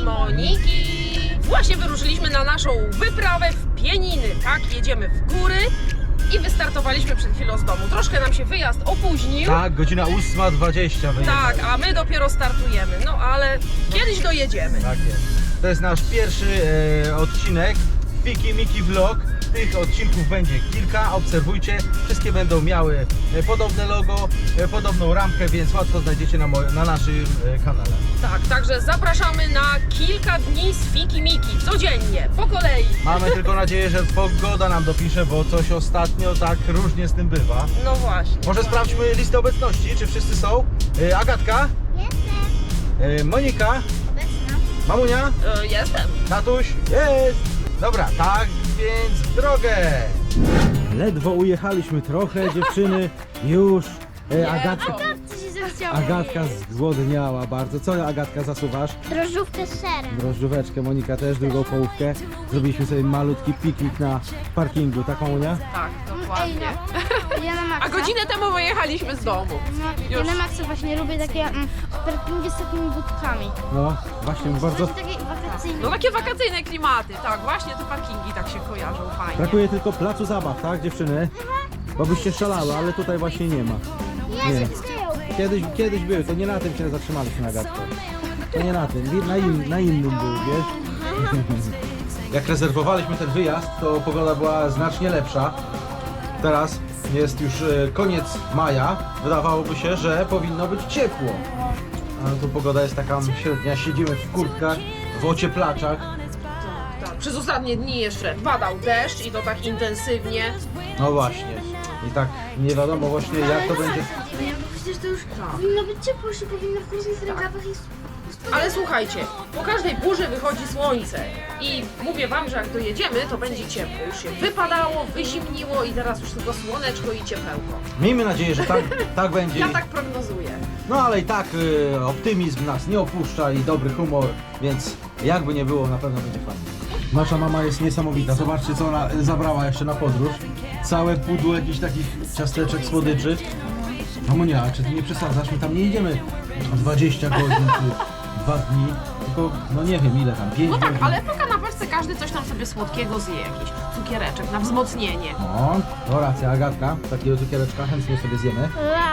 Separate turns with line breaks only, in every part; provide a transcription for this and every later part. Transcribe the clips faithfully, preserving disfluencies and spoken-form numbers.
Moniki. Właśnie wyruszyliśmy na naszą wyprawę w Pieniny, tak? Jedziemy w góry i wystartowaliśmy przed chwilą z domu. Troszkę nam się wyjazd opóźnił.
Tak, godzina ósma dwadzieścia
Tak, a my dopiero startujemy. No ale kiedyś dojedziemy.
Tak jest. To jest nasz pierwszy e, odcinek Fiki Miki Vlog. Tych odcinków będzie kilka, obserwujcie. Wszystkie będą miały e, podobne logo, e, podobną ramkę, więc łatwo znajdziecie na, na naszym e, kanale.
Tak, także zapraszamy na kilka dni z Fiki Miki. Codziennie, po kolei.
Mamy tylko nadzieję, że pogoda nam dopisze, bo coś ostatnio tak różnie z tym bywa.
No właśnie.
Może sprawdźmy listę obecności, czy wszyscy są. E, Agatka,
Jestem.
e, Monika,
Obecna.
Mamunia,
E, jestem.
tatuś, jest! Dobra, tak więc w drogę! Ledwo ujechaliśmy trochę, dziewczyny, już e, Agatka,
Co się zachciało?
Agatka zgłodniała bardzo. Co Agatka zasuwasz?
Drożdżówkę z serem.
Drożdżóweczkę, Monika też, drugą połówkę. Zrobiliśmy sobie malutki piknik na parkingu, tak Mamunia?
Tak,
Ej,
dokładnie.
no. Ja na maksa.
A godzinę temu wyjechaliśmy z domu.
No, ja
Już.
na maksa właśnie lubię takie mm, parkingi z takimi budkami.
No, właśnie bardzo...
Właśnie takie wakacyjne.
No takie wakacyjne klimaty, tak, właśnie te parkingi tak się kojarzą fajnie.
Brakuje tylko placu zabaw, tak dziewczyny? Bo byście szalały, ale tutaj właśnie nie ma. Nie.
Jest, był.
Kiedyś, kiedyś był, to nie na tym się zatrzymaliśmy, Agatko. To nie na tym, na, in, na innym był, wiesz? Jak rezerwowaliśmy ten wyjazd, to pogoda była znacznie lepsza. Teraz jest już e, koniec maja. Wydawałoby się, że powinno być ciepło. Ale tu pogoda jest taka średnia. Siedzimy w kurtkach, w ocieplaczach.
Tak, przez ostatnie dni jeszcze padał deszcz i to tak intensywnie.
No właśnie. I tak nie wiadomo właśnie jak to będzie.
Przecież to już powinno być ciepło, już się powinno w różnych rękawach i...
Ale słuchajcie, po każdej burzy wychodzi słońce i mówię wam, że jak dojedziemy, to będzie ciepło. Już się wypadało, wyzimniło i teraz już tylko słoneczko i ciepełko.
Miejmy nadzieję, że tak, tak będzie.
Ja tak prognozuję.
No ale i tak y, optymizm nas nie opuszcza i dobry humor, więc jakby nie było, na pewno będzie fajnie. Nasza mama jest niesamowita. Zobaczcie, co ona zabrała jeszcze na podróż. Całe pudło jakichś takich ciasteczek, słodyczy. Mamunia, czy ty nie przesadzasz? My tam nie jedziemy dwadzieścia godzin czy dwa dni, tylko no nie wiem ile tam, pięć
No tak,
godzin.
ale po kanapeczce każdy coś tam sobie słodkiego zje, jakiś cukiereczek na wzmocnienie.
No, to racja, Agatka, takiego cukiereczka chętnie sobie zjemy.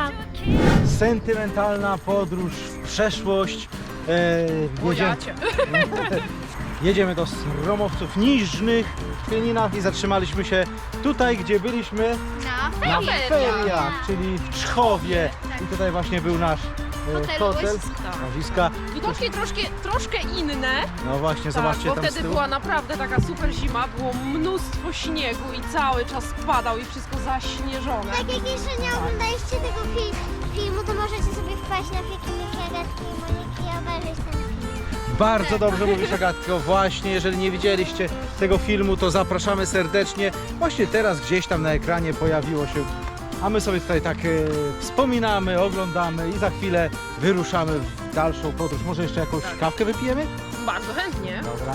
Sentymentalna podróż w przeszłość. E, jedziemy,
Bojacie.
jedziemy do Sromowców Niżnych w Pieninach i zatrzymaliśmy się tutaj, gdzie byliśmy
Na
na
ferie.
feriach, czyli w Czchowie. I tutaj właśnie był nasz e,
Hotel
hotel,
Łyska.
łowiska.
Widocznie troszkę, troszkę inne.
No właśnie,
Tak,
zobaczcie
bo
tam z
wtedy
tyłu.
była naprawdę taka super zima, było mnóstwo śniegu i cały czas padał i wszystko zaśnieżone.
Tak jak jeszcze nie oglądaliście tego fi filmu, to możecie sobie wpaść na Fiki Miki, Agatki i Moniki i obejrzeć ten film.
Bardzo dobrze mówisz, Agatko. Właśnie, jeżeli nie widzieliście tego filmu, to zapraszamy serdecznie. Właśnie teraz gdzieś tam na ekranie pojawiło się, a my sobie tutaj tak e, wspominamy, oglądamy i za chwilę wyruszamy w dalszą podróż. Może jeszcze jakąś kawkę wypijemy?
Bardzo chętnie.
Dobra.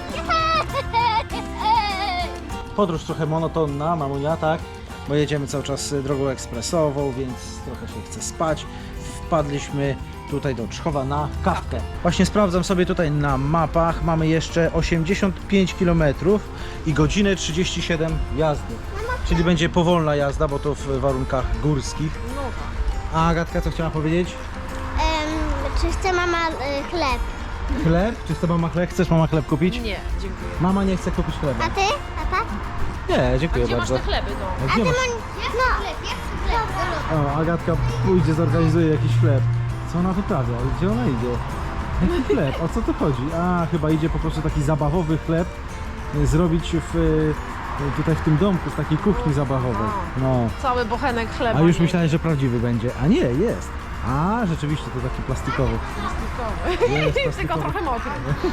Podróż trochę monotonna, mamunia, tak? Bo jedziemy cały czas drogą ekspresową, więc trochę się chce spać. Wpadliśmy tutaj do Czchowa na kawkę. Właśnie sprawdzam sobie tutaj na mapach. Mamy jeszcze osiemdziesiąt pięć kilometrów i godzinę trzydzieści siedem jazdy. Czyli będzie powolna jazda, bo to w warunkach górskich.
No tak.
A Agatka, co chciała powiedzieć?
Em, czy chce mama y, chleb?
Chleb? Czy chce mama chleb? Chcesz mama chleb kupić?
Nie, dziękuję.
Mama nie chce kupić chleba.
A ty? Tata?
Nie, dziękuję
Gdzie masz
bardzo.
te chleby, no?
A
A
gdzie
ty
masz?
Mon... No. Chleb, ja chcę chleb.
O, Agatka pójdzie, zorganizuje jakiś chleb. Co ona wyprawia? Gdzie ona idzie? Jaki chleb? O co tu chodzi? A, chyba idzie po prostu taki zabawowy chleb y, zrobić w, y, tutaj w tym domku, w takiej kuchni zabawowej. No.
Cały bochenek chleba.
A już
nie?
myślałem, że prawdziwy będzie. A nie, jest. A, rzeczywiście, to taki plastikowy.
Plastikowy.
Jest
Tylko
plastikowy.
trochę mokry.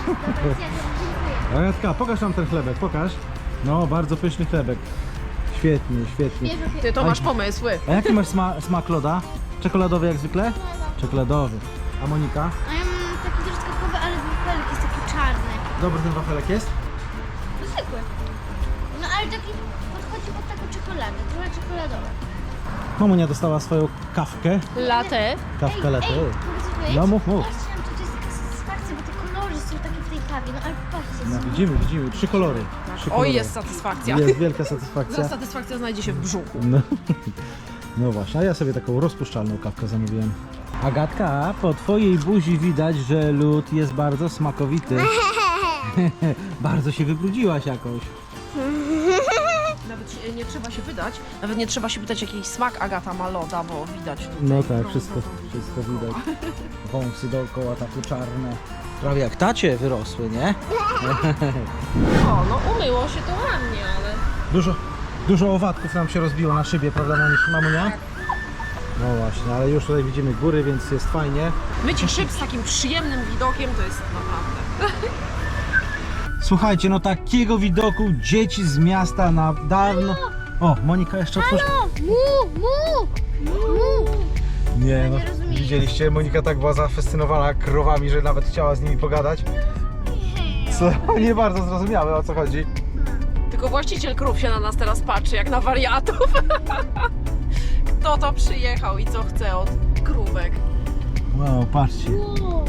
Agatka, pokaż nam ten chlebek, pokaż. No, bardzo pyszny chlebek. Świetnie, świetnie.
Ty to masz pomysły.
A jaki masz sma smak loda? Czekoladowy jak zwykle? Czekoladowy. A Monika?
A ja mam taki truskawkowy, ale wafelek jest taki czarny.
Dobry ten wafelek jest?
Zwykły. No ale taki podchodzi pod taką czekoladę, trochę czekoladowe.
Mamunia dostała swoją kawkę.
Latte.
Kawkę
Ej,
latte.
ej, mogę coś powiedzieć?
No mów, mów.
Ja chciałam, to jest taka satysfakcja, bo te kolory że są takie w tej kawie, no ale patrzcie,
No
są...
widzimy, widzimy, trzy kolory. Trzy kolory.
Oj, jest satysfakcja.
Jest wielka satysfakcja.
Satysfakcja znajdzie się w brzuchu.
No. No właśnie, a ja sobie taką rozpuszczalną kawkę zamówiłem. Agatka, po twojej buzi widać, że lód jest bardzo smakowity. Bardzo się wybrudziłaś jakoś.
Nawet się- nie trzeba się wydać, nawet nie trzeba się pytać, jaki smak Agata ma loda, bo widać tutaj.
No tak,
brązową
wszystko,
widzę.
wszystko widać. Wąsy dookoła takie czarne. Prawie jak tacie wyrosły, nie?
O, no umyło się to ładnie, ale...
Dużo, dużo owadków nam się rozbiło na szybie, prawda mamunia? No właśnie, ale już tutaj widzimy góry, więc jest fajnie.
Mycie szyb z takim przyjemnym widokiem to jest naprawdę...
Słuchajcie, no takiego widoku dzieci z miasta na dawno... O, Monika jeszcze otworzy...
Mu, mu, mu.
Nie, no
nie rozumiem.
widzieliście, Monika tak była zafascynowana krowami, że nawet chciała z nimi pogadać. Co nie bardzo zrozumiałe, o co chodzi.
Tylko właściciel krów się na nas teraz patrzy, jak na wariatów. Kto to przyjechał i co chce od krówek?
Wow, patrzcie.
Wow.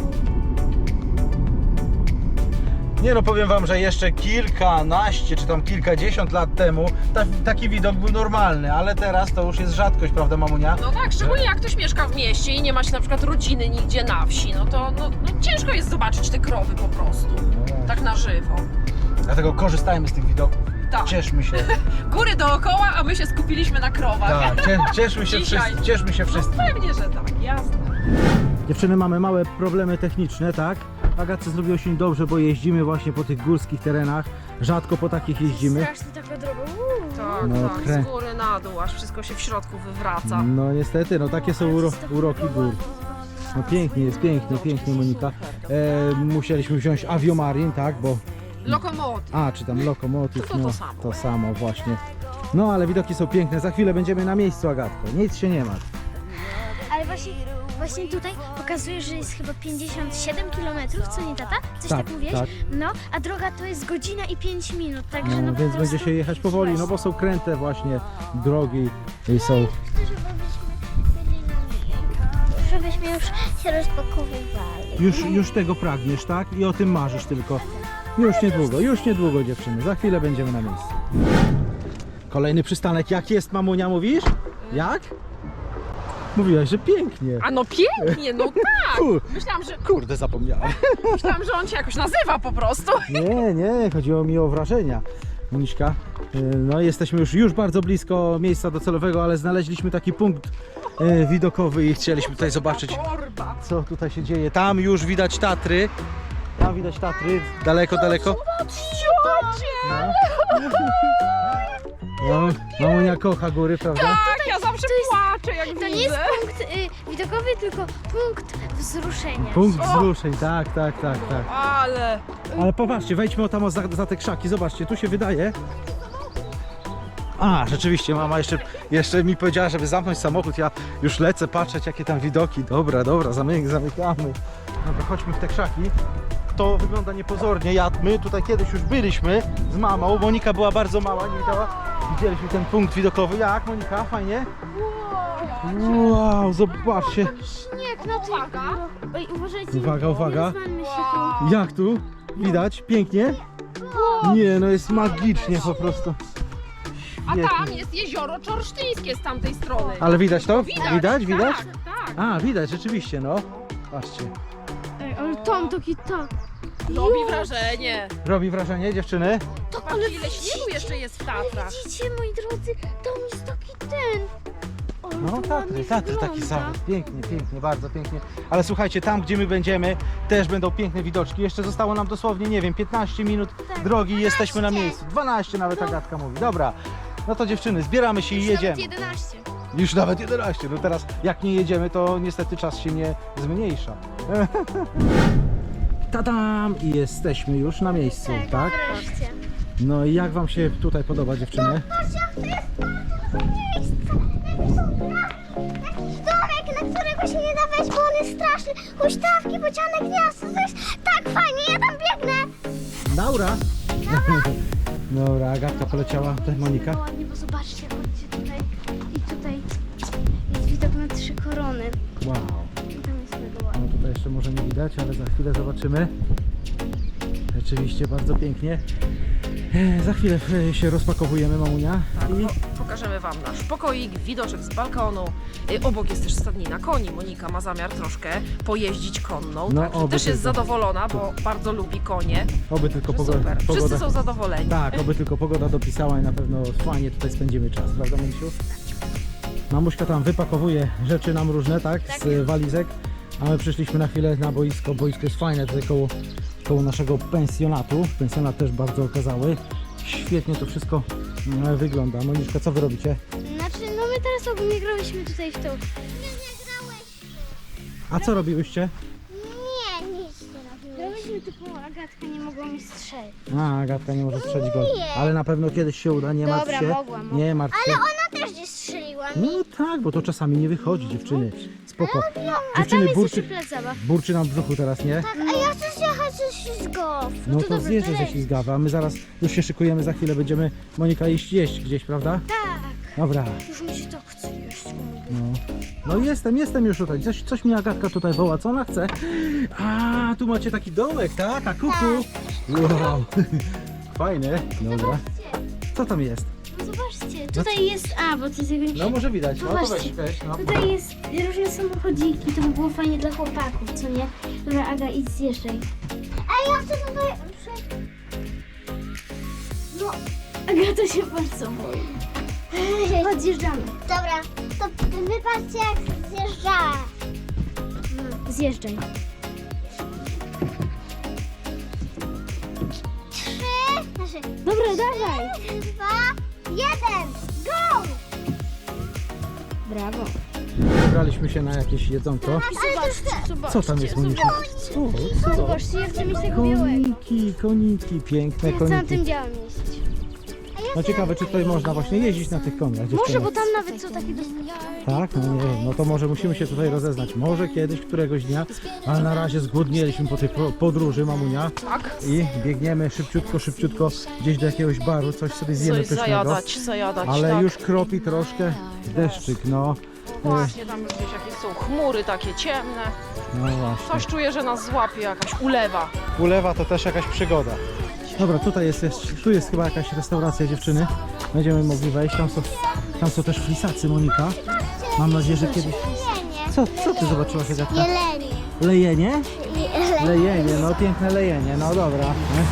Nie no, powiem wam, że jeszcze kilkanaście czy tam kilkadziesiąt lat temu ta, taki widok był normalny, ale teraz to już jest rzadkość, prawda mamunia?
No tak, szczególnie jak ktoś mieszka w mieście i nie ma się na przykład rodziny nigdzie na wsi, no to no, no ciężko jest zobaczyć te krowy po prostu, tak na żywo.
Dlatego korzystajmy z tych widoków.
Tak.
Cieszmy się.
Góry dookoła, a my się skupiliśmy na krowach.
Tak, cie, cieszmy się
Dzisiaj.
wszyscy. Cieszmy się
No
wszyscy.
pewnie, że tak, jasne.
Dziewczyny, mamy małe problemy techniczne, tak? Agatce zrobiło się dobrze, bo jeździmy właśnie po tych górskich terenach. Rzadko po takich jeździmy.
Strasznie taka droga. Uuu.
Tak,
No,
tak,
krę-
z góry na dół, aż wszystko się w środku wywraca.
No niestety, no takie są uro uroki gór. No pięknie jest, pięknie, pięknie Monika. E, musieliśmy wziąć Aviomarin, tak? Bo...
Lokomotyw.
A, czy tam lokomotyw,
To to
no
samo.
to samo właśnie. No ale widoki są piękne. Za chwilę będziemy na miejscu, Agatko. Nic się nie ma.
Ale właśnie, właśnie tutaj pokazuje, że jest chyba pięćdziesiąt siedem kilometrów, co nie tata? Coś tak,
Tak,
mówiłeś?
tak.
No, a droga to jest godzina i pięć minut, także no,
No,
po
więc
prostu...
będzie się jechać powoli, no bo są kręte właśnie drogi i są...
Chcę, żebyśmy byli na miejscu, żebyśmy już się rozpakowywali.
Już, już tego pragniesz, tak? I o tym marzysz tylko. Już niedługo, już niedługo dziewczyny. Za chwilę będziemy na miejscu. Kolejny przystanek. Jak jest, mamunia, mówisz? Jak? Mówiłaś, że pięknie.
A no pięknie, no tak!
Kur,
Myślałam, że,
kurde, zapomniałem.
myślałam, że on się jakoś nazywa po prostu.
Nie, nie, chodziło mi o wrażenia. Moniczka, y, no jesteśmy już, już bardzo blisko miejsca docelowego, ale znaleźliśmy taki punkt y, widokowy i chcieliśmy tutaj zobaczyć,
Torba.
co tutaj się dzieje. Tam już widać Tatry. Tam widać Tatry, daleko, daleko.
Ciocie!
No, mamunia kocha góry, prawda?
Tak, ja zawsze
jest-
płaczę, jak
To
widzę.
nie jest punkt y, widokowy, tylko punkt wzruszenia.
Punkt
O!
wzruszeń, tak, tak, tak, tak.
Ale...
Ale popatrzcie, wejdźmy o tam o za, za te krzaki, zobaczcie, tu się wydaje. A, rzeczywiście, mama jeszcze, jeszcze mi powiedziała, żeby zamknąć samochód, ja już lecę patrzeć, jakie tam widoki. Dobra, dobra, zamyk, zamykamy. Dobra, chodźmy w te krzaki. To wygląda niepozornie, ja, my tutaj kiedyś już byliśmy z mamą, Monika była bardzo mała, nie widziała. Widzieliśmy ten punkt widokowy, jak Monika, fajnie? Wow, zobaczcie.
Śnieg na tych
Uwaga.
górach. Oj, uważajcie.
Uwaga, uwaga.
Nie rozwalmy się tu.
Jak tu? Widać? Pięknie? Nie, no jest magicznie po prostu.
A
Świetnie.
tam jest jezioro Czorsztyńskie z tamtej strony.
Ale widać to?
Widać,
Widać? Widać?
Tak, tak.
A, widać, rzeczywiście, no. Patrzcie.
Ej, ale tam taki tak.
Robi wrażenie.
Robi wrażenie, dziewczyny?
To, ale
Patrzcie, ile śniegu jeszcze jest w Tatrach.
widzicie, moi drodzy, tam jest taki ten. Ale
No,
to
Tatry,
ładnie
Tatry taki
wygląda.
sam. Pięknie, pięknie, bardzo pięknie. Ale słuchajcie, tam gdzie my będziemy, też będą piękne widoczki. Jeszcze zostało nam dosłownie, nie wiem, piętnaście minut
Tak,
drogi i jesteśmy na miejscu. dwanaście nawet Agatka mówi. Dobra, no to dziewczyny, zbieramy się i
Już
jedziemy.
nawet jedenaście.
Już nawet jedenaście. No teraz jak nie jedziemy, to niestety czas się nie zmniejsza. Tadam! I jesteśmy już na miejscu,
Tak,
tak?
wreszcie.
No i jak wam się tutaj podoba, dziewczyny?
Patrzcie, to jest bardzo miejsce. Jakiś domek, na którego się nie da wejść, bo on jest straszny. Huśtawki, bociane gniazdo, to jest tak fajnie, ja tam biegnę.
Laura! Dobra, Agatka poleciała, tutaj Monika.
No ładnie, bo zobaczcie, chodźcie tutaj i tutaj jest widok na trzy korony.
Wow.
I tam jest mega
No
ładnie.
tutaj jeszcze może nie widać, ale za chwilę zobaczymy. Rzeczywiście bardzo pięknie. E, Za chwilę e, się rozpakowujemy, mamunia.
Tak,
I
po, pokażemy Wam nasz pokoik, widoczek z balkonu. Y, Obok jest też stadnina koni. Monika ma zamiar troszkę pojeździć konną,
No,
także
oby
też jest
tylko.
zadowolona, bo bardzo lubi konie.
oby tylko
Że
pogoda.
super, wszyscy
pogoda
są zadowoleni.
Tak, oby tylko pogoda dopisała i na pewno fajnie tutaj spędzimy czas, prawda, Mamusiu? Mamuśka tam wypakowuje rzeczy nam różne, tak, z e, walizek, a my przyszliśmy na chwilę na boisko. Boisko jest fajne tutaj koło, koło naszego pensjonatu. Pensjonat też bardzo okazały. Świetnie to wszystko mm, wygląda. Moniczka, co wy robicie?
Znaczy, no my teraz ogólnie grałyśmy tutaj w to. Nie, nie grałeś.
A co robiłyście?
Nie, nic nie robiłeś. Grałyśmy tylko, Agatka nie mogła mi strzelić.
A, Agatka nie może strzelić gol. Ale na pewno kiedyś się uda, nie martw
Dobra,
się.
mogłam, mogłam.
Nie martw się.
Ale ona też nie strzeliła mi.
No tak, bo to czasami nie wychodzi, dziewczyny. Spoko.
A tam
Dziewczyny,
jest
burczy,
jeszcze plac zabaw.
burczy nam w brzuchu teraz, nie?
Tak, a ja chcę zjechać ze ślizgów.
No to zjeżdżę ze ślizgawy, a my zaraz już się szykujemy, za chwilę będziemy, Monika, iść jeść gdzieś, prawda?
Tak,
Dobra,
już mi się tak chce jeść.
no. No jestem, jestem już tutaj. Coś, coś mi Agatka tutaj woła, co ona chce? A, tu macie taki domek, tak? A kuku? Wow. Fajne, dobra. Co tam jest?
No zobaczcie, tutaj jest, a bo to tego nie...
No może widać, no to weź,
Zobaczcie.
weź, no.
Tutaj jest różne samochodziki, to by było fajnie dla chłopaków, co nie? Dobra, Aga, idź zjeżdżaj. A ja chcę tutaj... No, Agata się bardzo boi. Chodź, zjeżdżamy. Dobra, to wypatrzcie jak zjeżdżała. No, zjeżdżaj. Trzy, znaczy... Dobra, dawaj. Dwa, jeden, go! Brawo.
Wybraliśmy się na jakieś jedzonko.
Zobaczcie, zobaczcie.
Co tam jest, Moniczka? Co? Co?
Zobaczcie, ja chcę mieć tego białego.
Koniki, koniki, piękne
Ja chcę na tym
koniki.
białym jeździć.
No ciekawe, czy tutaj można właśnie jeździć na tych koniach,
Może,
dziewczyny.
bo tam nawet są takie dość...
Tak? No nie wiem, no to może musimy się tutaj rozeznać. Może kiedyś, któregoś dnia, ale na razie zgłodnieliśmy po tej po- podróży, mamunia.
Tak.
I biegniemy szybciutko, szybciutko gdzieś do jakiegoś baru, coś sobie zjemy
Coś
pysznego.
zajadać, zajadać,
Ale
tak.
już kropi troszkę deszczyk, no.
Właśnie, tam już gdzieś jakieś są chmury takie ciemne.
No właśnie.
Coś czuję, że nas złapie jakaś ulewa.
Ulewa to też jakaś przygoda. Dobra, tutaj jest, jest, tu jest chyba jakaś restauracja, dziewczyny. Będziemy mogli wejść. Tam są, tam są też flisacy, Monika. Mam nadzieję, że kiedyś... Co, co ty zobaczyłaś, Agatka?
Jelenie.
Lejenie? Lejenie, no piękne lejenie, no dobra.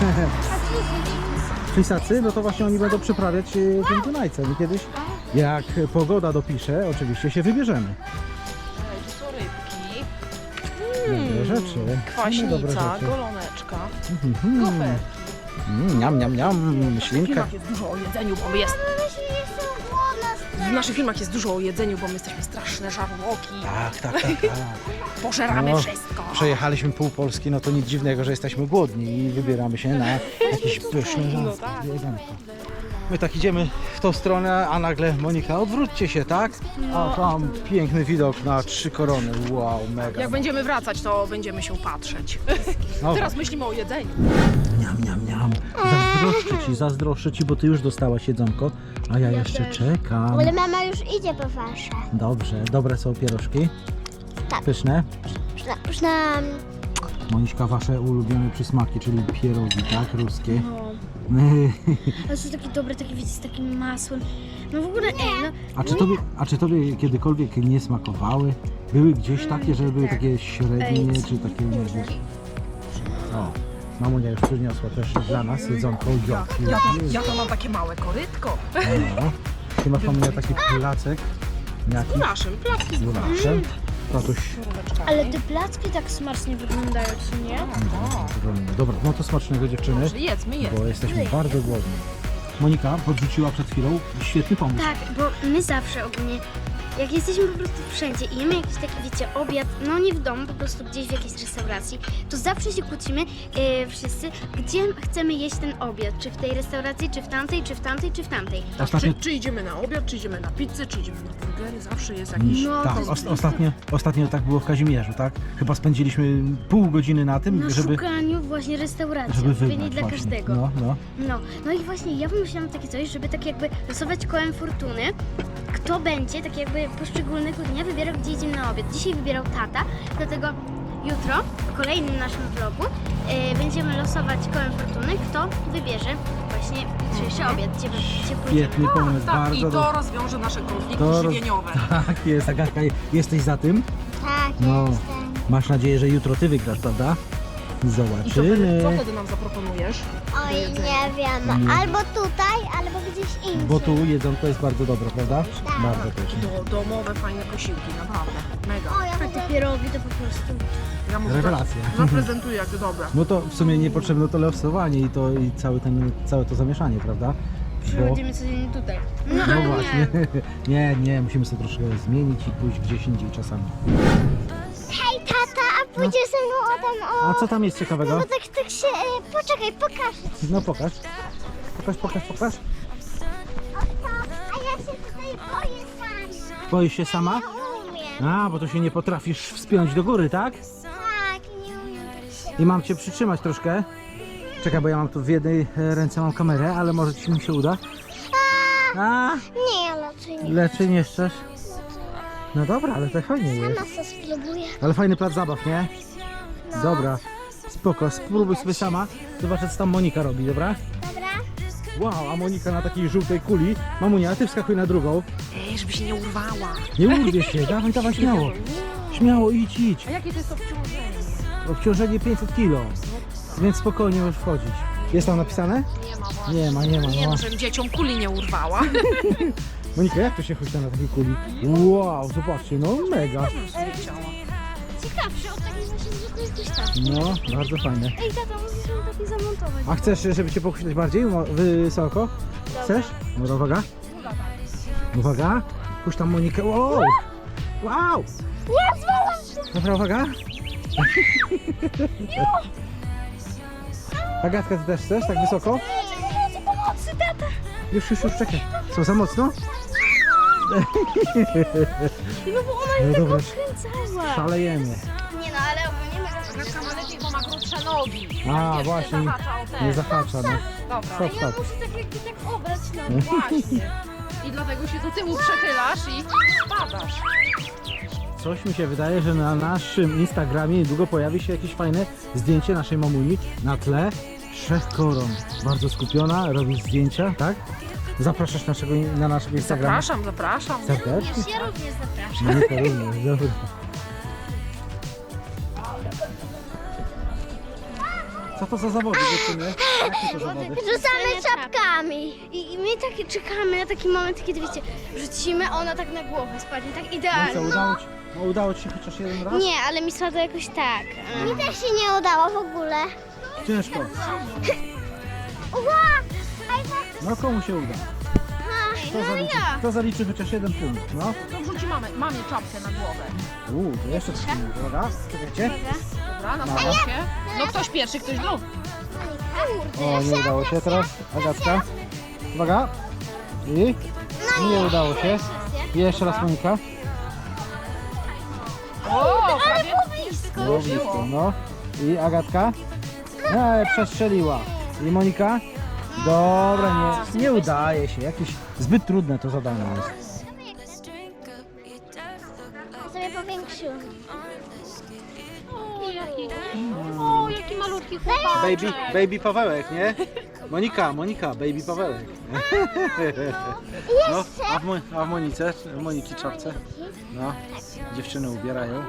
Flisacy, no to właśnie oni będą przyprawiać e, tym Dunajcem i kiedyś, jak pogoda dopisze, oczywiście się wybierzemy.
Ej, tu są rybki,
Dobre rzeczy. Same dobre
kwaśnica,
rzeczy.
goloneczka,
Mhm.
goferki.
Mm, Niam, niam, niam,
W
ślinka.
filmach jest dużo o jedzeniu, bo my jest...
Myślę, że jestem głodna.
W naszych filmach jest dużo o jedzeniu, bo my jesteśmy straszne żarłoki.
Tak, tak, tak, tak.
Pożeramy
No,
wszystko.
Przejechaliśmy pół Polski, no to nic dziwnego, że jesteśmy głodni i wybieramy się na jakieś pyszne
No
żarstwo,
tak.
jedzonko. My tak idziemy w tą stronę, a nagle Monika, odwróćcie się, tak? A tam piękny widok na trzy korony, wow, mega.
Jak będziemy wracać, to będziemy się patrzeć.
No,
Teraz myślimy o jedzeniu.
Niam, niam, niam. Zazdroszczę ci, zazdroszczę ci, bo ty już dostałaś jedzonko, a ja jeszcze czekam.
Ale mama już idzie po wasze.
Dobrze, dobre są pierożki.
Tak.
Pyszne.
Przna, przna,
Moniszka, wasze ulubione przysmaki, czyli pierogi, tak? Ruskie.
No. Ale są takie dobre, takie wiecie, z takim masłem. No w ogóle, ej, no.
A czy tobie, a czy tobie kiedykolwiek nie smakowały? Były gdzieś takie, że były takie średnie,
Ej,
czy takie, nie wiesz? O, mamunia już przyniosła też dla nas jedzonko.
Ja,
Ja,
ja, to, ja to mam takie małe korytko.
no. Ty masz, mamunia, taki placek. Jaki?
Z naszym placki z
Z naszym. Tatuś.
góreczkami.
Ale te placki tak smacznie wyglądają, czy nie?
Dobra, no to smacznego, dziewczyny,
Dobrze, jedzmy, jedzmy.
bo jesteśmy bardzo głodni. Monika podrzuciła przed chwilą świetny pomysł.
Tak, bo my zawsze ogólnie, jak jesteśmy po prostu wszędzie i jemy jakiś taki, wiecie, obiad, no nie w domu, po prostu gdzieś w jakiejś restauracji, to zawsze się kłócimy e, wszyscy, gdzie chcemy jeść ten obiad, czy w tej restauracji, czy w tamtej, czy w tamtej, czy w tamtej.
Ostatnio,
Czy, czy idziemy na obiad, czy idziemy na pizzę, czy idziemy na burgery, zawsze jest jakiś...
No,
tak,
to jest
os- ostatnio, ostatnio tak było w Kazimierzu, tak? Chyba spędziliśmy pół godziny na tym,
Na
żeby,
szukaniu właśnie restauracji,
żeby
odpowiedniej
wybrać
dla
właśnie.
każdego.
No, no.
No, no i właśnie ja wymyślałam takie coś, żeby tak jakby losować kołem fortuny, kto będzie tak jakby poszczególnego dnia wybierał, gdzie idziemy na obiad. Dzisiaj wybierał tata, dlatego jutro w kolejnym naszym vlogu e, będziemy losować kołem fortuny, kto wybierze właśnie jutrzejszy obiad, gdzie, gdzie pójdziemy.
Świetny pomysł,
Tak,
bardzo
i to
dobry.
rozwiąże nasze konflikty
To roz-
żywieniowe.
Tak jest, Agatka, jesteś za tym?
Tak,
No,
jestem.
masz nadzieję, że jutro ty wygrasz, prawda?
I co,
Zobaczymy.
co wtedy nam zaproponujesz?
Oj, nie wiem.
Nie.
Albo tutaj, albo gdzieś indziej.
Bo tu jedzonko jest bardzo dobre, prawda?
Tak.
Bardzo też.
Do, domowe, fajne posiłki, naprawdę. Mega.
O, ja te pierogi to po prostu.
Ja mu
Rewelacja.
zaprezentuję, jak dobre.
No to w sumie niepotrzebne to losowanie i to i cały ten, całe to zamieszanie, prawda? Bo,
Przychodzimy codziennie tutaj.
no właśnie. Nie, nie, musimy sobie troszkę zmienić i pójść gdzieś indziej czasami.
Hej tata, a pójdziesz ze mną o tam o...
A co tam jest ciekawego?
No tak, tak się... E, poczekaj, pokażę ci.
No pokaż. Pokaż, pokaż, pokaż.
O to, a ja się tutaj boję sam.
Boisz się sama?
Nie umiem.
A, bo to się nie potrafisz wspiąć do góry, tak?
Tak, nie umiem tak się...
I mam cię przytrzymać troszkę. Czekaj, bo ja mam tu w jednej e, ręce mam kamerę, ale może ci mi się uda. A,
Nie, raczej nie.
leczy nie chcesz? No dobra, ale to fajnie jest.
Sama co spróbuję.
Ale fajny plac zabaw, nie? Dobra, spoko, spróbuj sobie sama. Zobaczę, co tam Monika robi, dobra?
Dobra?
Wow, a Monika na takiej żółtej kuli. Mamunia, ty wskakuj na drugą.
Ej, żeby się nie urwała.
Nie urwie się, dawaj, dawaj, śmiało. Śmiało, idź, idź.
A jakie to jest obciążenie?
Obciążenie pięćset kilo, więc spokojnie możesz wchodzić. Jest tam napisane?
Nie ma właśnie.
Nie ma, nie ma,
Nie
no.
no, żebym dzieciom kuli nie urwała.
Monika, jak to się chodzi na takiej kuli? Wow, zobaczcie, no mega.
Ciekawsze od takiej właśnie zwykłej gdzieś tam.
No, bardzo fajne.
Ej tata, musisz ją taki zamontować.
A chcesz, żeby cię pochwycić bardziej mo- wysoko? Chcesz? No to uwaga. Uwaga. Puść tam Monikę. Wow! Wow!
Nie, zwalam się!
Dobra, uwaga. Agatka, ty też chcesz tak wysoko?
Nie, nie, pomocy, tata!
Już, już, już, czekaj. Co, za mocno?
No bo ona
No
mnie
dobra,
tak odkręcała.
szalejemy.
Nie no, ale ogólnie my
Agatka ma lepiej, bo ma grubsze nogi.
A,
Wiesz,
właśnie.
Nie zahacza o te.
Nie zahacza, no.
Dobra.
Stop,
ja
stop.
muszę tak jakby tak obrać
No.
nogi.
Właśnie. I dlatego się do tyłu przechylasz i spadasz.
Coś mi się wydaje, że na naszym Instagramie niedługo pojawi się jakieś fajne zdjęcie naszej mamuni na tle trzech koron. Bardzo skupiona, robi zdjęcia, tak? Zapraszasz naszego, na naszego Instagrama?
Zapraszam, zapraszam.
Serdecznie?
Wiesz, ja również zapraszam.
No nie, to również, dobra. Co to za zawody, dziewczyny? Jakie to zawody?
Rzucamy czapkami. I, I my tak czekamy na taki moment, kiedy wiecie, rzucimy, a ona tak na głowę spadnie, tak
No i co,
idealnie.
udało ci, no udało ci się chociaż jeden raz?
Nie, ale mi spadło jakoś tak. Mi też się nie udało w ogóle.
Ciężko.
Ła!
No komu się uda? Kto zaliczy, kto zaliczy chociaż jeden punkt? No.
To wrzuci mamę, mamie czapkę na głowę.
Uuu, to jeszcze coś innego, dobra? Czekajcie.
Dobra, na się. No ktoś pierwszy, ktoś drugi.
O, nie udało się teraz. Agatka. Uwaga. I? Nie udało się. I jeszcze raz Monika.
O, prawie.
Blisko.
No, blisko, no. I Agatka. E, przestrzeliła. I Monika. Dobra, nie, nie udaje się. Jakieś zbyt trudne to zadanie jest.
Sobie powiększyłam.
O, jaki, o, jaki malutki chłopak.
Baby, baby Pawełek, nie? Monika, Monika, baby Pawełek. No, a w, Mo- a w Monice, w Moniki czapce. No, dziewczyny ubierają.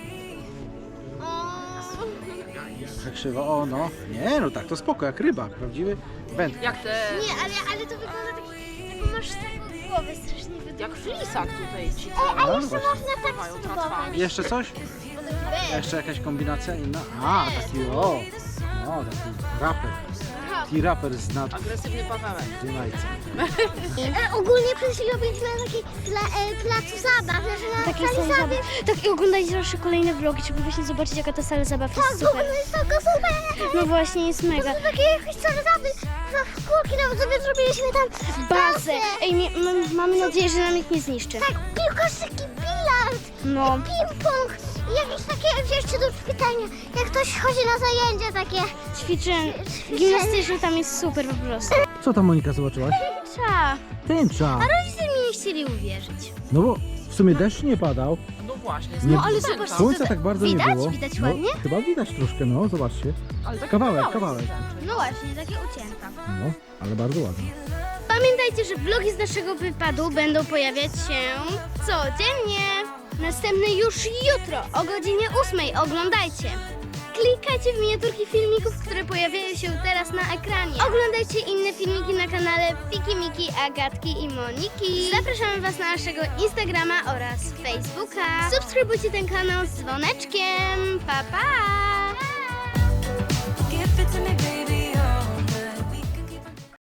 Tak krzywo, o no. Nie, no tak, to spoko, jak rybak, prawdziwy wędkarz.
Jak te,
Nie, ale, ale to wygląda tak, taką masz taką głowę strasznie wydłużoną.
jak flisak tutaj ci
No,
A jeszcze
właśnie.
można tak
trwają
spróbować.
tratwami.
Jeszcze coś? Jeszcze jakaś kombinacja inna? A, taki o, no, taki raper. Taki raper z nad
Agresywny Pawełek.
Dunajca.
E, ogólnie przed chwilą byliśmy na takiej pla, e, placu zabaw, znaczy na takiej sali zabaw. Tak i oglądajcie nasze kolejne vlogi, żeby właśnie zobaczyć jaka ta sala zabaw jest super. Tak, jest taka super. No właśnie, jest mega. To takie jakieś sale zabawy, w kulki nawet sobie zrobiliśmy tam bazę. Ej, mi, mam, mamy nadzieję, że nam nikt nie zniszczy. Tak, piłkarski bilard,
No.
ping-pong i jakieś takie jeszcze do pytania, jak ktoś chodzi na zajęcia takie ćwiczeń, gimnastyczne, tam jest super po prostu.
Co tam Monika zobaczyłaś?
Trza.
Tęcza.
A rodzice mi nie chcieli uwierzyć.
No bo w sumie deszcz nie padał.
No właśnie.
Nie-
No ale
zdjęcia.
zobacz,
Słońca tak bardzo
widać?
nie było.
Widać
no,
ładnie?
chyba widać troszkę, no zobaczcie.
Ale taki
Kawałek,
kawałek.
kawałek.
wystarczy.
No właśnie, takie ucięta.
No, ale bardzo ładnie.
Pamiętajcie, że vlogi z naszego wypadu będą pojawiać się codziennie. Następny już jutro o godzinie ósmej. Oglądajcie. Klikajcie w miniaturki filmików, które pojawiają się teraz na ekranie. Oglądajcie inne filmiki na kanale Fiki, Miki, Agatki i Moniki. Zapraszamy Was na naszego Instagrama oraz Facebooka. Subskrybujcie ten kanał z dzwoneczkiem. Pa, pa!
Give it to me, baby.